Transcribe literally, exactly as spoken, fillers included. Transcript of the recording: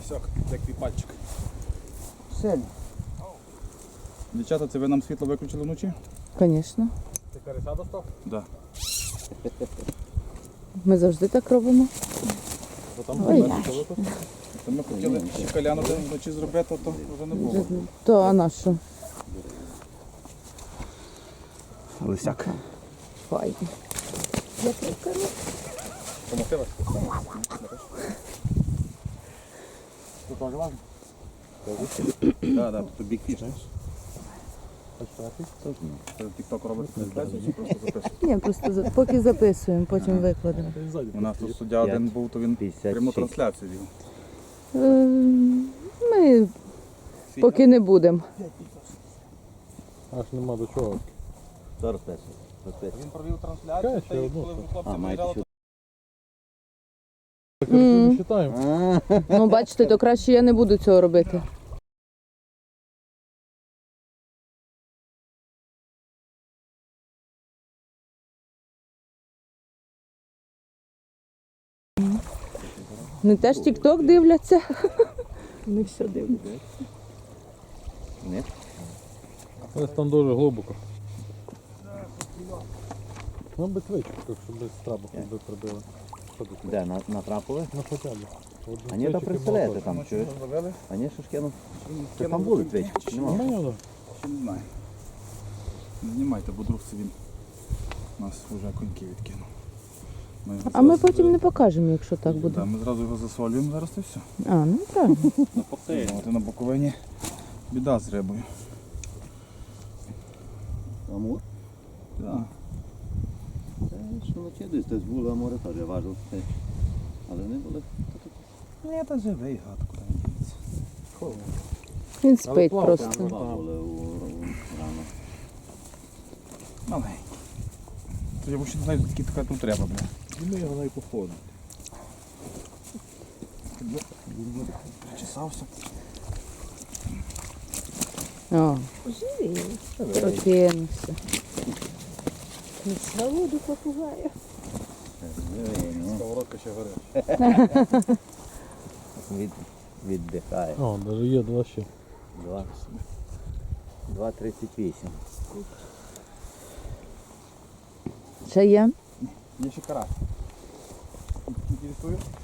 Все, як твій пальчик. Сильно. Дівчата, це ви нам світло виключили вночі? Звісно. Ти карася достав? Так. Ми завжди так робимо. Да. Ой, То ми хотіли ще каляну вночі зробити, то вже не було. То а на що? Лисяк. Файно. Я прикару. Помогти вас? Тут теж важно? Так, так, тут бік фіш, знаєш? Тік-ток робить трансляцію чи просто записує? Ні, просто за- поки записуємо, потім викладемо. У нас тут суддя один був, то він пряму трансляцію вів. Е, Ми поки не будемо. Аж нема до чого. Зараз песо. Він провів трансляцію, та й коли вже хлопці виїжджали, то Так не вважаємо. Ну, бачите, то краще я не буду цього робити. Вони теж тік-ток дивляться. Вони все дивляться. Ні? Ось там дуже глибоко. Ну, без свічок, так що без трабок би прибили. Що тут? Де, на- натрапили? Ну, хоча б. От А ні, то свічок і представляєте молоток. там, чуєш? зловили. А ні, що ж кинув? Це Кинув там були до свічки, чи нема? Нормально, Ще не знаю. Не знімайте, бо друг це він нас вже коньки відкинув. Ми його А ми зразу- потім не покажемо, якщо так Да, буде. ми зразу його засолюємо зараз і все. А, ну правильно. От і на Буковині біда з рибою. Амур? Да. Це що вночі десь, десь було амури теж важив. Але не були. Ні, та живий гад, куди він діється. Він спить плавав, просто. Два були у рано. Маленький. То я взагалі не знаю, скільки така тут треба, бля. І ми його навіть походимо. Причесався. О, прокинувся. На воду попугаю. Сковородка ще горить. Від, віддихає. О, навіть є два ще. Два. два тридцять вісім. Ще є? Є ще карась. Інтересує?